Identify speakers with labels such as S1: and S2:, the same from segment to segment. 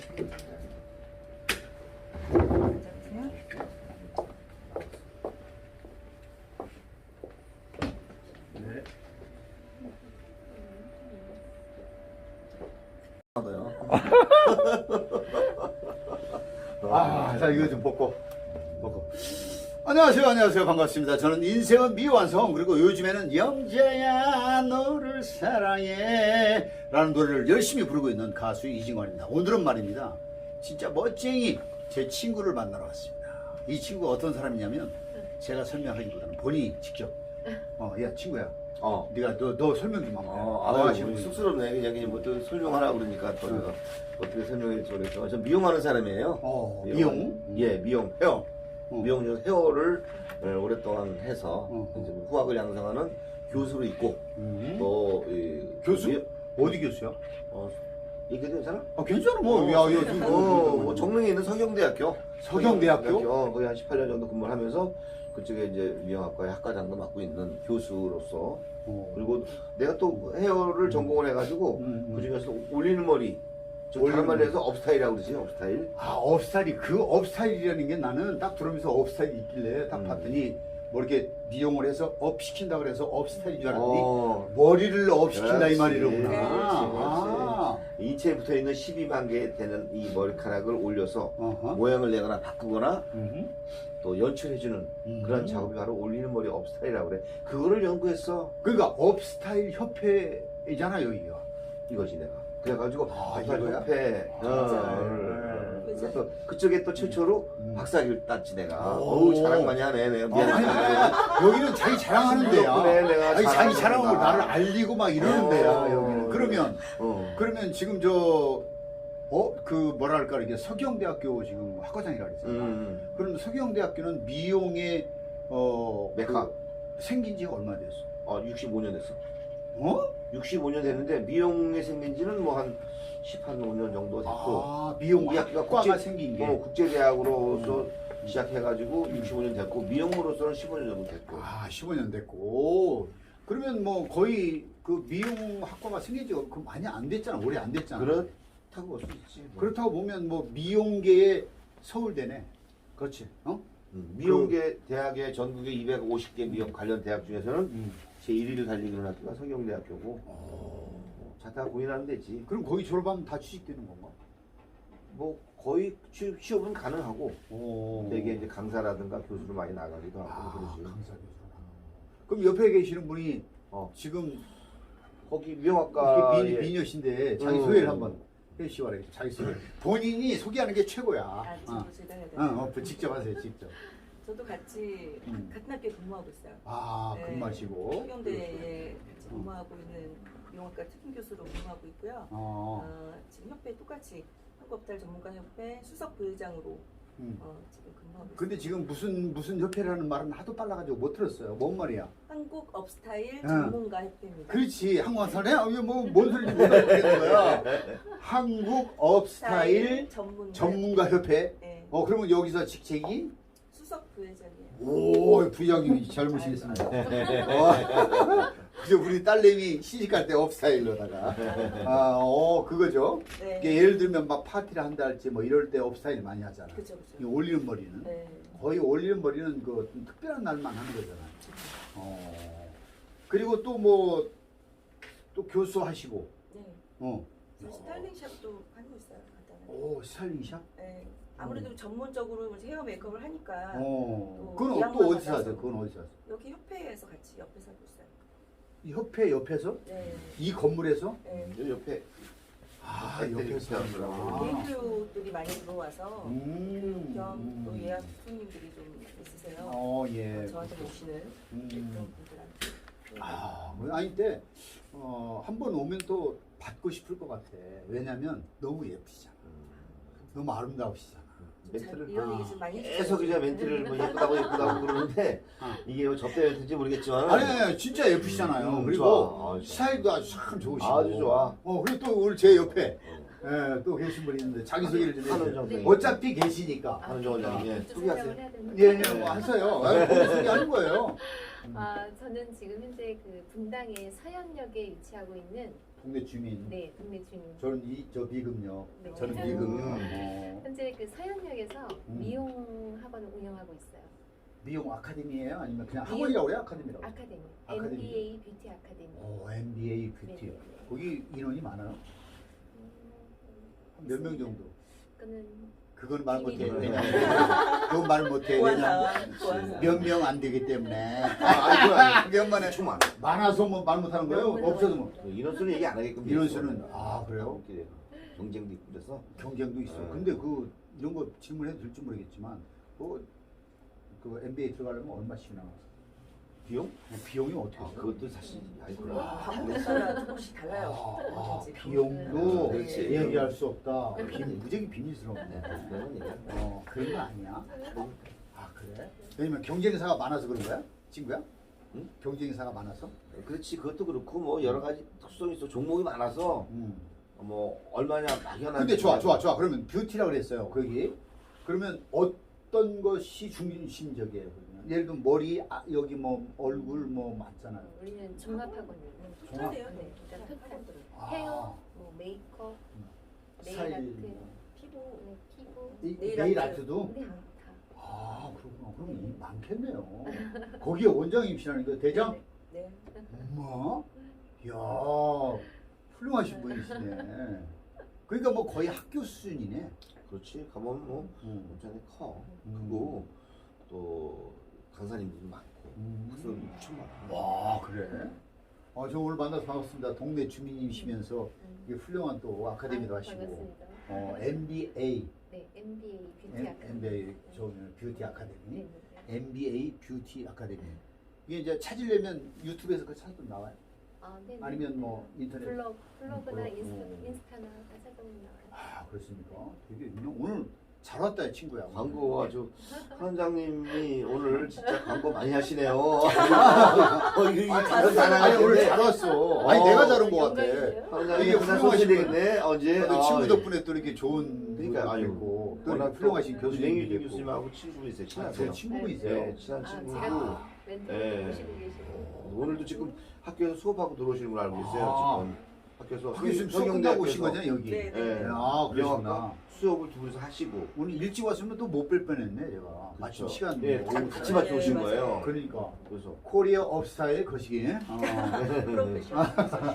S1: 네. 자 이거 좀 벗고. 안녕하세요 반갑습니다. 저는 인생은 미완성, 그리고 요즘에는 영재야 너를 사랑해 라는 노래를 열심히 부르고 있는 가수 이진관입니다. 오늘은 말입니다, 진짜 멋쟁이 제 친구를 만나러 왔습니다. 이 친구가 어떤 사람이냐면 제가 설명하기보다는 본인이 직접 야 친구야, 네가 너 설명 좀 한번 해.
S2: 쑥스럽네. 그냥 뭐또 설명하라고 그러니까 또 내가 어떻게 설명할지 모르겠지만 전 미용하는 사람이에요.
S1: 미용?
S2: 예, 미용, 헤어. 미용 중 헤어를 오랫동안 해서 이제 후학을 양성하는 교수로 있고 또
S1: 교수? 어디 교수야?
S2: 얘기해도 괜찮아?
S1: 괜찮아 뭐.
S2: 정릉에 있는 서경대학교.
S1: 서경대학교?
S2: 거기 한 18년 정도 근무를 하면서 그쪽에 이제 미용학과의 학과장도 맡고 있는 교수로서, 그리고 내가 또 헤어를 전공을 해가지고 그 중에서 올리는 머리, 다른 말로 해서 업스타일이라고 그러지. 업스타일.
S1: 업스타일이, 그 업스타일이라는 게 나는 딱 들으면서 업스타일이 있길래 딱 봤더니 뭐 이렇게 미용을 해서 업 시킨다 그래서 업스타일인 줄 알았더니 머리를 업 시킨다 이 말이로구나.
S2: 인체에 붙어 있는 12만 개 되는 이 머리카락을 올려서 모양을 내거나 바꾸거나 또 연출해주는 그런 작업이 바로 올리는 머리 업스타일이라고 그래. 그거를 연구했어.
S1: 그러니까 업스타일 협회이잖아요
S2: 이거지 내가. 그래가지고
S1: 이거야?
S2: 협회 그래서 그쪽에 또 최초로 박사학위를 땄지 내가. 어우 자랑 많이 하네 내가. 미안해.
S1: 여기는 자기 자랑하는 데야.
S2: 내가
S1: 자기 자랑한 걸 나를 알리고 막 이러는 데야 여기는. 그러면 지금 그 뭐랄까 이게 서경대학교 지금 학과장이라 그랬잖아. 그럼 서경대학교는 미용의
S2: 메카.
S1: 생긴 지가 얼마 됐어?
S2: 65년 됐어. 65년 됐는데 미용에 생긴 지는 뭐 한 15년 정도 됐고.
S1: 미용
S2: 이 학교가
S1: 학과가 생긴 게.
S2: 국제대학으로서 시작해가지고 65년 됐고, 미용으로서는 15년 정도 됐고.
S1: 15년 됐고. 그러면 뭐 거의 그 미용 학과가 생긴 지가 그 많이 안 됐잖아. 오래 안 됐잖아.
S2: 그렇다고 볼 수 있지. 뭐.
S1: 그렇다고 보면 뭐 미용계의 서울대네. 그렇지.
S2: 미용계 대학의 전국에 250개 미용 관련 대학 중에서는 제1위를 달리는 학교가 서경대학교고. 자타 공인하면 되지.
S1: 그럼 거기 졸업하면 다 취직되는 건가?
S2: 뭐 거의 취업은 가능하고, 되게 이제 강사라든가 교수로 많이 나가기도 하고 그러지.
S1: 강사 교수라. 그럼 옆에 계시는 분이 지금
S2: 거기 미용학과
S1: 미녀신데 자기 소개를 한번 해주시기 자기 소개. 본인이 소개하는 게 최고야.
S3: 제가 해야 돼요.
S1: 직접 하세요, 직접.
S3: 저도 같이 같은 학교에 근무하고 있어요.
S1: 근무하시고.
S3: 서경대에 같이 근무하고 있는 미용학과 특임교수로 근무하고 있고요. 지금 협회 똑같이 한국업달 전문가협회 수석 부회장으로 지금 근무하고 있어요.
S1: 근데 지금 무슨 협회라는 말은 하도 빨라가지고 못 들었어요. 뭔 말이야?
S3: 한국 업스타일 전문가협회입니다.
S1: 그렇지. 한국 업스타일 뭔 소리인지 못 알아듣겠는 거야. 한국 업스타일 전문가협회.
S3: 네.
S1: 그러면 여기서 직책이?
S3: 수석 부회장이에요.
S1: 오, 부장님이 잘 모시겠습니다. 그죠, 우리 딸내미 시집갈 때 업스타일로다가. 그거죠.
S3: 네.
S1: 예를 들면 막 파티를 한다 할지 뭐 이럴 때 업스타일 많이 하잖아.
S3: 그쵸.
S1: 이 올리는 머리는.
S3: 네.
S1: 거의 올리는 머리는 그 좀 특별한 날만 하는 거잖아. 그리고 또 또 교수하시고.
S3: 네. 스타일링샵도 하고 있어요. 간단하게.
S1: 스타일링샵?
S3: 네. 아무래도 전문적으로 헤어 메이크업을 하니까.
S1: 그건 또 어디서 하세요? 그건 어디서 하세요?
S3: 여기 협회에서 같이 옆에서 하고 있어요.
S1: 이 협회 옆에서?
S3: 네.
S1: 이 건물에서?
S3: 네.
S2: 옆에.
S1: 옆에서
S3: 개인교들이 많이 들어와서 겸 또 예약 손님들이 좀 있으세요.
S1: 예.
S3: 저한테 오시는 그런 분들한테.
S1: 근데 한 번 오면 또 받고 싶을 것 같아. 왜냐면 너무 예쁘시잖아. 너무 아름다우시잖아.
S2: 멘트를
S3: 이런 얘기 좀 많이
S2: 계속 이제 멘트를 뭐 예쁘다고 그러는데 이게 뭐 접대 멘트인지 모르겠지만
S1: 아니 진짜 예쁘시잖아요. 그리고 스타일도 아주 참 좋으시고
S2: 아주 좋아.
S1: 그리고 또 오늘 제 옆에 또 계신 분이 있는데 자기 소개를 좀 해주세요. 어차피 계시니까
S2: 한은정 원장님
S3: 소개하세요.
S1: 뭐 하세요. 본인 소개하는 거예요.
S4: 저는 지금 현재 그 분당의 서현역에 위치하고 있는
S1: 동네 주민.
S4: 네, 동네 주민.
S1: 저는 저 비금요.
S4: 네.
S1: 저는 비금.
S4: 현재 그 서현역에서
S1: 음.
S4: 미용 학원을 운영하고 있어요.
S1: 미용 아카데미예요? 아니면 그냥
S4: 미용-
S1: 학원이라고 그래요? 아카데미라고?
S4: 아카데미.
S1: 아카데미.
S4: MBA 뷰티 아카데미.
S1: 오, MBA 뷰티.
S4: 네네네.
S1: 거기 인원이 많아요? 몇 명 정도?
S4: 그거는
S1: 그건 말 못해.
S3: 비밀이에요.
S1: 왜냐면 그건 말 못해. 왜냐면
S3: 좋아서.
S1: 몇 명 안 되기 때문에.
S2: 아니
S1: 몇만에
S2: 엄청 많아.
S1: 많아서 뭐 말 못하는 거예요? 없어도 뭐.
S2: 인원수는 얘기 안 하게끔.
S1: 인원수는 아 그래요?
S2: 이렇게 경쟁도 있고 그래서.
S1: 경쟁도 있어.
S2: 네.
S1: 근데 그 이런 거 질문해도 될지 모르겠지만 그 MBA 들어가려면 얼마씩 나와?
S2: 비용?
S1: 비용이 어떻게
S2: 아,
S1: 돼요?
S2: 그것도 사실 아니구나.
S3: 방법에 따라 조금씩 달라요. 뭐든지.
S1: 비용도
S2: 그렇지.
S1: 얘기할 수 없다. 무지하게 비밀스럽네.
S2: 네, 그런 얘기야.
S1: 그런 거 아니야? 아 그래? 왜냐면 경쟁사가 많아서 그런 거야? 친구야?
S2: 응?
S1: 경쟁사가 많아서?
S2: 그렇지, 그것도 그렇고 뭐 여러 가지 특성이 있어. 종목이 많아서 뭐 얼마냐 막연한.
S1: 근데 좋아. 그러면 뷰티라고 그랬어요. 거기. 그러면 어떤 것이 중심적이에요? 그러면? 예를 들면 머리, 여기 뭐 얼굴 뭐 많잖아요.
S4: 우리는 종합학원이에요.
S3: 토탈이에요.
S4: 네, 일단 토탈.
S1: 아.
S4: 헤어, 뭐 메이크업, 네일
S1: 스타일,
S4: 아트,
S1: 뭐.
S4: 피부, 네, 피부.
S1: 네일 아트도?
S4: 네, 다.
S1: 아 그렇구나. 그럼 이 많겠네요. 거기에 원장님이시라는 거 대장?
S3: 네.
S1: 엄마? 이야 훌륭하신 분이시네. 그러니까 뭐 거의 학교 수준이네.
S2: 그렇지, 가면 뭐 엄청 커. 크고 또 강사님들도 많고 학생들도 엄청 많고.
S1: 와 그래? 저 오늘 만나서 반갑습니다. 동네 주민이시면서 이게 훌륭한 또 아카데미도 하시고
S4: 반갑습니다.
S1: MBA
S4: 네, MBA 뷰티 아카데미.
S1: MBA 저 뷰티 아카데미
S4: 네, 네.
S1: MBA 뷰티 아카데미 이게 이제 찾으려면 유튜브에서 그 찾으면 나와요?
S4: 네, 네.
S1: 아니면 뭐 인터넷
S4: 블로그나
S1: 블로그.
S4: 인스타나 다 찾아보면 나와요.
S1: 아 그렇습니까? 되게 오늘 잘 왔다 친구야.
S2: 광고 아주 사장님이 오늘 진짜 광고 많이 하시네요. 이거
S1: 아니 오늘 잘 왔어. 아니 내가 잘 온 것 같아.
S4: 영광이에요.
S2: 사장님이
S1: 이게
S2: 항상
S1: 훌륭하신
S2: 소개되겠네 언제?
S1: 또 친구 덕분에 또 이렇게 좋은
S2: 그러니까
S1: 분도
S2: 아유,
S1: 있고 또
S2: 워낙
S1: 이렇게 훌륭하신
S2: 교수님
S1: 교수님이 있고.
S2: 교수님하고 친구이세요.
S1: 제
S2: 친하세요.
S1: 친구분이세요.
S2: 네, 친한 친구고.
S4: 제가 멘토
S2: 네.
S4: 모시고 계시고.
S2: 오늘도 지금 학교에서 수업하고 들어오시는 걸 알고 있어요.
S1: 아.
S2: 지금 학교에서
S1: 학교 지금 수업 끝나고 오신 거잖아요 여기.
S3: 네,
S2: 네.
S1: 아 그러시구나.
S2: 명학과 수업을 두 분이서 하시고.
S1: 오늘 일찍 왔으면 또 못 뵐 뻔했네 제가. 마침
S2: 그렇죠.
S1: 시간
S2: 예,
S1: 뭐
S2: 같이
S1: 오후
S2: 맞춰 오신
S3: 네,
S2: 거예요.
S3: 맞아요.
S1: 그러니까
S2: 그래서
S1: 코리아 업스타일 거시기.
S3: 프로페셔널.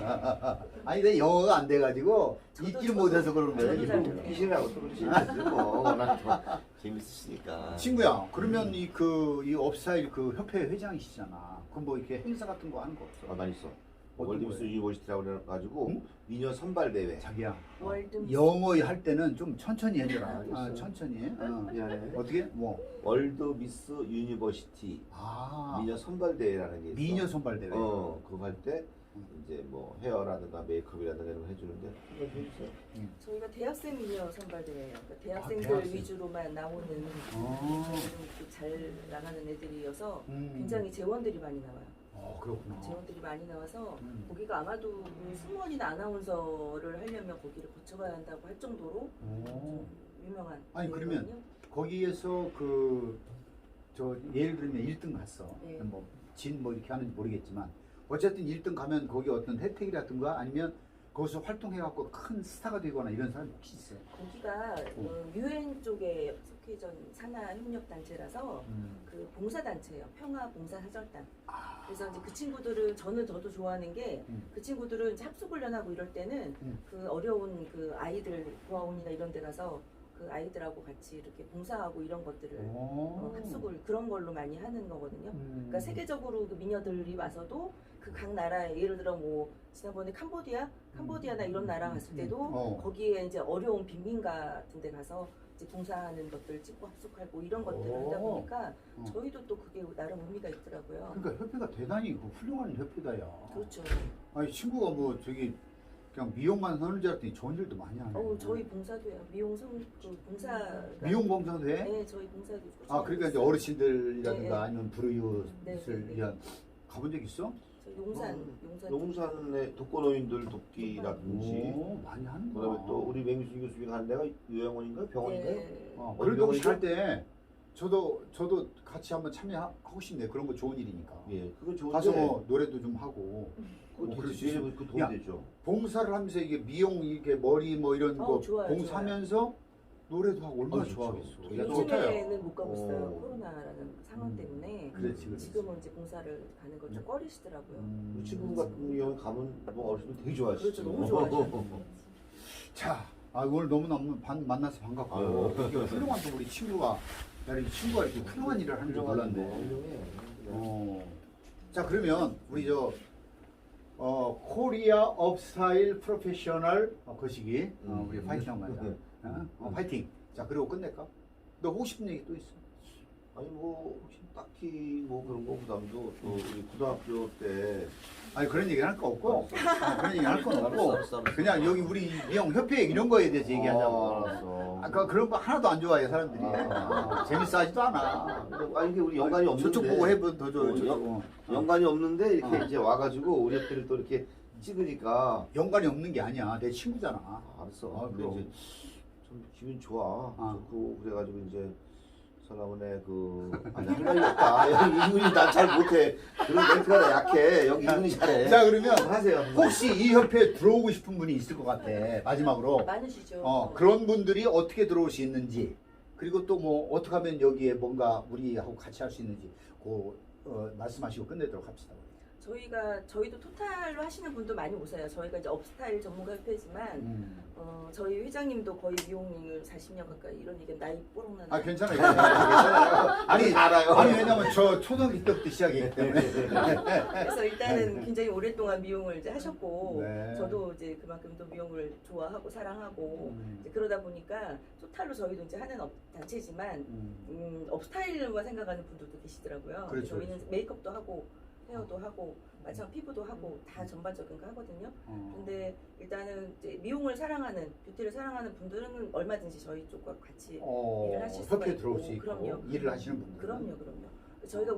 S1: 아니 내 영어가 안 돼가지고
S3: 저도
S1: 잊지를 못해서 그런
S3: 저도
S1: 거예요.
S3: 잘
S1: 이거.
S3: 몰라요.
S2: 끼시라고 또 그러시는지 뭐 워낙 더 재밌으시니까.
S1: 친구야, 그러면 이 업스타일 그 협회 회장이시잖아. 그럼 뭐 이렇게 행사 같은 거 하는 거 없어?
S2: 많이 있어.
S1: 어떤
S2: 월드미스
S1: 거예요?
S2: 유니버시티라고 그래가지고
S1: 응?
S2: 미녀 선발 대회.
S1: 자기야.
S3: 월드
S1: 영어 할 때는 좀 천천히 해줘라.
S2: 알겠어요.
S1: 천천히.
S2: 미안해.
S1: 어떻게? 뭐?
S2: 월드미스 유니버시티
S1: 아,
S2: 미녀 선발 대회라는 게 있어.
S1: 미녀 선발 대회.
S2: 그거 할 때 이제 뭐 헤어라든가 메이크업이라든가 이런 거 해주는데 한번 해주세요.
S3: 저희가 대학생 미녀 선발대회예요. 그러니까 대학생들
S1: 대학생.
S3: 위주로만 나오는
S1: 어.
S3: 잘 나가는 애들이어서
S1: 음.
S3: 굉장히 재원들이 많이 나와요.
S1: 그렇구나.
S3: 재원들이 많이 나와서
S1: 음.
S3: 거기가 아마도 그 승무원이나 아나운서를 하려면 거기를 거쳐가야 한다고 할 정도로
S1: 오.
S3: 좀 유명한
S1: 아니,
S3: 대회거든요.
S1: 그러면 거기에서 예를 들면 1등 갔어.
S3: 네.
S1: 뭐 이렇게 하는지 모르겠지만 어쨌든 1등 가면 거기 어떤 혜택이라든가 아니면 거기서 활동해갖고 큰 스타가 되거나 이런 사람이 혹시 있어요?
S3: 거기가 유엔 쪽에 속해전 산하협력단체라서 그 봉사단체예요. 평화봉사사절단. 그래서 이제 그 친구들은 저도 좋아하는 게 그 친구들은 이제 합숙훈련하고 이럴 때는 그 어려운 그 아이들 고아원이나 이런 데 가서 그 아이들하고 같이 이렇게 봉사하고 이런 것들을 합숙을 그런 걸로 많이 하는 거거든요. 그러니까 세계적으로 그 미녀들이 와서도 그 각 나라에 예를 들어 뭐 지난번에 캄보디아나 이런 나라 갔을 때도 거기에 이제 어려운 빈민 같은 데 가서 이제 봉사하는 것들 찍고 합숙하고 이런 것들을 하다 보니까 저희도 또 그게 나름 의미가 있더라고요.
S1: 그러니까 협회가 대단히 훌륭한 협회다야.
S3: 그렇죠.
S1: 아니 친구가 뭐 그냥 미용만 하는 줄 알았더니 좋은 일도 많이 하네.
S3: 저희 봉사도 해요. 봉사.
S1: 미용 봉사도 해?
S3: 네, 저희 봉사도 있고.
S1: 그러니까 이제 어르신들이라든가
S3: 네.
S1: 아니면 불우이웃을
S3: 네.
S1: 위한 가본 적 있어?
S3: 저희 용산.
S2: 용산의 독거노인들 돕기라든지
S1: 많이 하는구나.
S2: 그다음에 또 우리 맹수 교수님이 간 데가 요양원인가 병원인가요?
S3: 네.
S1: 그래도 혹시 할 때 저도 같이 한번 참여하고 싶네요. 그런 거 좋은 일이니까.
S2: 예, 그거 좋은데.
S1: 가서 뭐 노래도 좀 하고.
S2: 그거
S1: 그럴 수
S2: 되게
S1: 있어요.
S2: 그 도움이
S1: 야,
S2: 되죠.
S1: 봉사를 하면서 이게 미용 이게 머리 뭐 이런 거
S3: 좋아요,
S1: 봉사하면서 노래도 하고 얼마나
S2: 좋죠.
S1: 좋아하겠어.
S2: 되게
S1: 야,
S3: 요즘에는 못 가고 있어요.
S2: 어.
S3: 코로나라는 상황 때문에.
S1: 그렇지.
S3: 지금은 이제 봉사를 가는 걸 좀 꺼리시더라고요.
S2: 우리 친구 같은 경우는 가면 뭐 어르신들 되게 좋아하시죠.
S3: 그렇죠, 너무 좋아하시죠.
S1: 자, 오늘 너무너무 만나서 반갑고
S2: 아유.
S1: 이게 훌륭한 또 우리 친구가 이 친구가 이렇게 훌륭한 일을 하는 줄 몰랐네. 자, 그러면 우리 코리아 업스타일 프로페셔널 거시기 우리 파이팅 한번 하자. 파이팅. 자, 그리고 끝낼까? 너 하고 싶은 얘기 또 있어?
S2: 아니 뭐 딱히 뭐 그런 거 부담도 또 우리 고등학교 때
S1: 아니 그런 얘기는 할 거 없고 그런 얘기 할 건 없고
S2: 알았어.
S1: 그냥 여기 우리 미용 협회 이런 거에 대해서 얘기하자고.
S2: 알았어.
S1: 아까 그런 거 하나도 안 좋아해 사람들이. 재밌어 하지도 않아.
S2: 아니 이게 우리 연관이 없는데
S1: 저쪽 보고 해보 더 좋아.
S2: 연관이 없는데 이렇게 이제 와가지고 우리 학교를 또 이렇게 찍으니까
S1: 연관이 없는 게 아니야. 내 친구잖아.
S2: 알았어. 근데
S1: 그럼.
S2: 이제 좀 기분 좋아. 좋고 그래가지고 이제 설라문에 아니 할 말이 없다. 여기 이분이 난 잘 못해. 그런 멘트가 약해. 여기 이분이 잘해.
S1: 자, 그러면
S2: 하세요.
S1: 혹시 이 협회에 들어오고 싶은 분이 있을 것 같아. 마지막으로.
S3: 많으시죠.
S1: 그런 분들이 어떻게 들어올 수 있는지, 그리고 또 뭐 어떻게 하면 여기에 뭔가 우리하고 같이 할 수 있는지 말씀하시고 끝내도록 합시다.
S3: 저희도 토탈로 하시는 분도 많이 오세요. 저희가 이제 업스타일 전문가 협회지만 저희 회장님도 거의 미용을 40년 가까이 이런 얘기 나이 뽀록 나는.
S1: 괜찮아요. 괜찮아요. 아니
S2: 알아요.
S1: 아니 왜냐면 저 초등학교 때부터 시작했기 때문에.
S3: 그래서 일단은 굉장히 오랫동안 미용을 이제 하셨고
S1: 네.
S3: 저도 이제 그만큼 또 미용을 좋아하고 사랑하고 이제 그러다 보니까 토탈로 저희도 이제 하는 단체지만 업스타일로만 생각하는 분들도 계시더라고요.
S1: 그렇죠,
S3: 저희는
S1: 그렇죠.
S3: 메이크업도 하고 헤어도 하고 마찬가지 피부도 하고 다 전반적인 거 하거든요. 근데 일단은 이제 미용을 사랑하는 뷰티를 사랑하는 분들은 얼마든지 저희 쪽과 같이 일을 하실 수가
S1: 협회에
S3: 있고.
S1: 들어올 수 있고
S3: 그럼요.
S1: 일을 하시는 분들.
S3: 그럼요. 저희가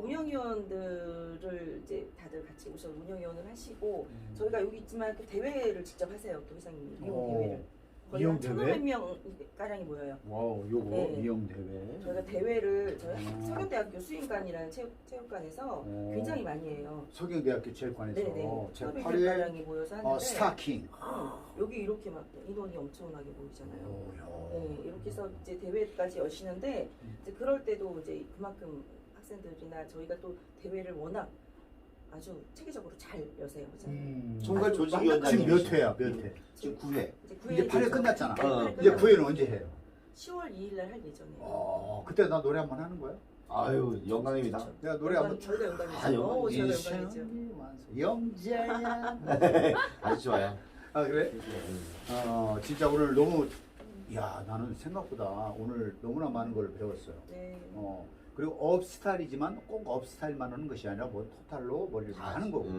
S3: 운영위원들을 이제 다들 같이 오셔서 운영위원을 하시고 저희가 여기 있지만 그 대회를 직접 하세요. 또 회장님이 미용 대회를. 거의
S1: 미용
S3: 한
S1: 대회?
S3: 1,500명 가량이 모여요.
S1: 와우, 요거
S3: 네.
S1: 미용 대회.
S3: 저희가 대회를 저희 서경대학교 수인관이라는 체육관에서 굉장히 많이 해요.
S1: 서경대학교 체육관에서
S3: 네네.
S1: 제
S3: 1,500명
S1: 8회
S3: 가량이 모여서 하는데
S1: 스타킹.
S3: 여기 이렇게 막 인원이 엄청나게 모이잖아요.
S1: 오,
S3: 네, 이렇게 해서 이제 대회까지 여시는데 이제 그럴 때도 이제 그만큼 학생들이나 저희가 또 대회를 워낙 아주 체계적으로 잘 여세요.
S2: 총괄
S3: 아주
S2: 조직위원장님
S1: 지금 몇 회야? 몇 회?
S2: 지금 9회.
S1: 이제 8회 끝났잖아.
S3: 네,
S1: 이제 9회는 언제 해요?
S3: 10월 2일 날 할 예정이에요.
S1: 그때 나 노래 한번 하는 거야?
S2: 아유 영광입니다.
S1: 내가 노래 한번.
S3: 저희가 영광이죠.
S2: 아, 영광.
S3: 저희가 영광이죠.
S1: 영재야.
S2: 아주 좋아요.
S1: 그래? 진짜 오늘 너무 나는 생각보다 오늘 너무나 많은 걸 배웠어요.
S3: 네.
S1: 그리고 업스타일이지만 꼭 업스타일만 하는 것이 아니라 뭐 토탈로 머리를 다 하는 거고.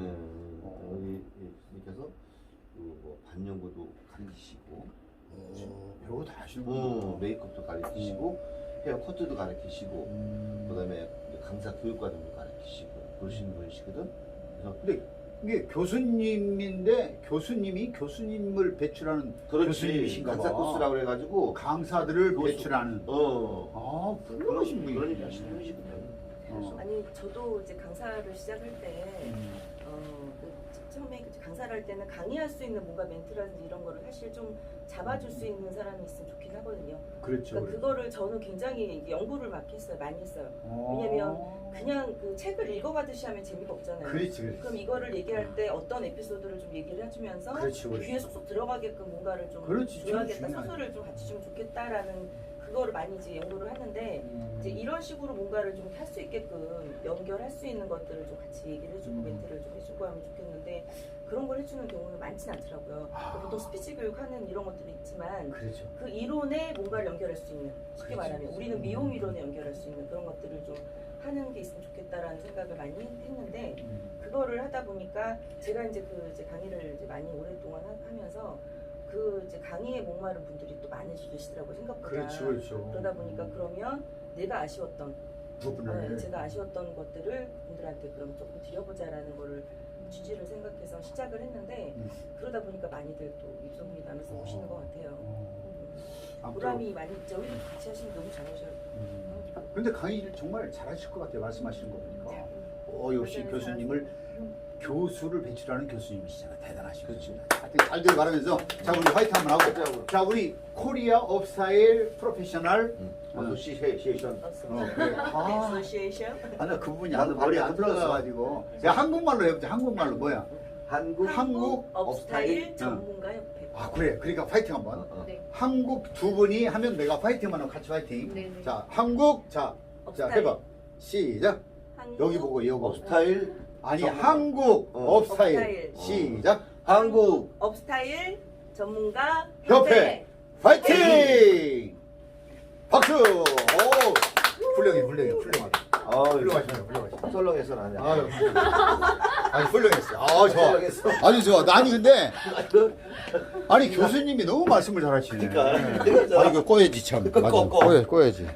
S2: 여기께서 뭐 반영구도 가르치시고,
S1: 별거 다 하시는구나.
S2: 메이크업도 가르치시고, 헤어 커트도 가르치시고, 그다음에 강사 교육과정도 가르치시고 그러시는 분이시거든. 그래서
S1: 근데 이게 교수님인데 교수님을 배출하는 교수님이신가 봐.
S2: 강사 코스라고 그래가지고
S1: 강사들을
S2: 교수.
S1: 배출하는. 훌륭하신 분이
S2: 그런 일을 하시는 분이시거든.
S3: 아니 저도 이제 강사를 시작할 때 처음에 강사를 할 때는 강의할 수 있는 뭔가 멘트라든지 이런 거를 사실 좀 잡아줄 수 있는 사람이 있으면 좋긴 하거든요.
S1: 그렇죠.
S3: 그러니까 그거를 저는 굉장히 연구를 막 했어요. 많이 했어요. 왜냐면 그냥 그 책을 읽어가듯이 하면 재미가 없잖아요.
S1: 그렇지.
S3: 그럼 이거를 얘기할 때 어떤 에피소드를 좀 얘기를 해주면서
S1: 그렇지.
S3: 귀에 쏙쏙 들어가게끔 뭔가를 좀
S1: 그렇지,
S3: 줘야겠다,
S1: 중요하지.
S3: 소설을 좀 같이 주면 좋겠다라는 그거를 많이 이제 연구를 하는데 이제 이런 식으로 뭔가를 좀 할 수 있게끔 연결할 수 있는 것들을 좀 같이 얘기를 해주고 멘트를 좀 해주고 하면 좋겠는데 그런 걸 해주는 경우는 많지는 않더라고요. 보통 스피치 교육하는 이런 것들이 있지만
S1: 그렇죠.
S3: 그 이론에 뭔가를 연결할 수 있는 쉽게
S1: 그렇지.
S3: 말하면 우리는 미용 이론에 연결할 수 있는 그런 것들을 좀 하는 게 있으면 좋겠다라는 생각을 많이 했는데 그거를 하다 보니까 제가 이제 강의를 이제 많이 오랫동안 하면서 그 이제 강의에 목마른 분들이 또 많으시더라고요 생각보다.
S1: 그렇죠.
S3: 그러다 보니까 그러면 내가 아쉬웠던
S1: 부분을
S3: 제가 아쉬웠던 것들을 분들한테 그럼 조금 드려보자라는 거를 취지를 생각해서 시작을 했는데 그러다 보니까 많이들 또 입소문이 나면서 오시는 것 같아요. 보람이 많이 있죠. 우리도 같이 하시면 너무 잘하셔요.
S1: 근데 강의를 정말 잘하실 것 같아요. 말씀하시는 거 보니까. 역시
S4: 맞아요,
S1: 교수님을 교수를 배출하는 교수님이시잖아요. 대단하시고.
S2: 그렇지.
S1: 하여튼 잘 되길 바라면서 자 우리 화이팅 한번 하고
S2: 화이팅.
S1: 자 우리 코리아 업스타일 프로페셔널
S2: 어소시에이션.
S1: 그래. 아,
S3: 애소시에이션.
S1: 나 그 부분이
S2: 나도
S1: 머리 안
S2: 머리 안
S1: 들어가가지고 제가 한국말로 해보자. 한국말로 뭐야?
S2: 한국
S3: 업스타일 전문가 협회.
S1: 아 그래. 그러니까 파이팅 한번.
S4: 네.
S1: 한국 두 분이 하면 내가 파이팅만 하고 같이 파이팅.
S4: 네네.
S1: 자 한국 자
S3: 업스타일.
S1: 해봐. 시작.
S3: 한국
S1: 여기 보고 이거
S2: 스타일
S1: 아니
S2: 전문가.
S1: 한국 업스타일
S3: 업스타일.
S1: 시작.
S2: 한국
S3: 업스타일 전문가
S1: 협회 파이팅! 박수! 오, 훌륭해. 훌륭하다. 훌륭하시네.
S2: 썰렁해서 나냐.
S1: 아유, 아니 훌륭했어요. 좋아.
S2: 썰렁했어.
S1: 아주 좋아. 아니 근데 아니 교수님이 너무 말씀을 잘하시네.
S2: 그러니까.
S1: 아 이거 꺼야지 참. 맞아. 꺼야지.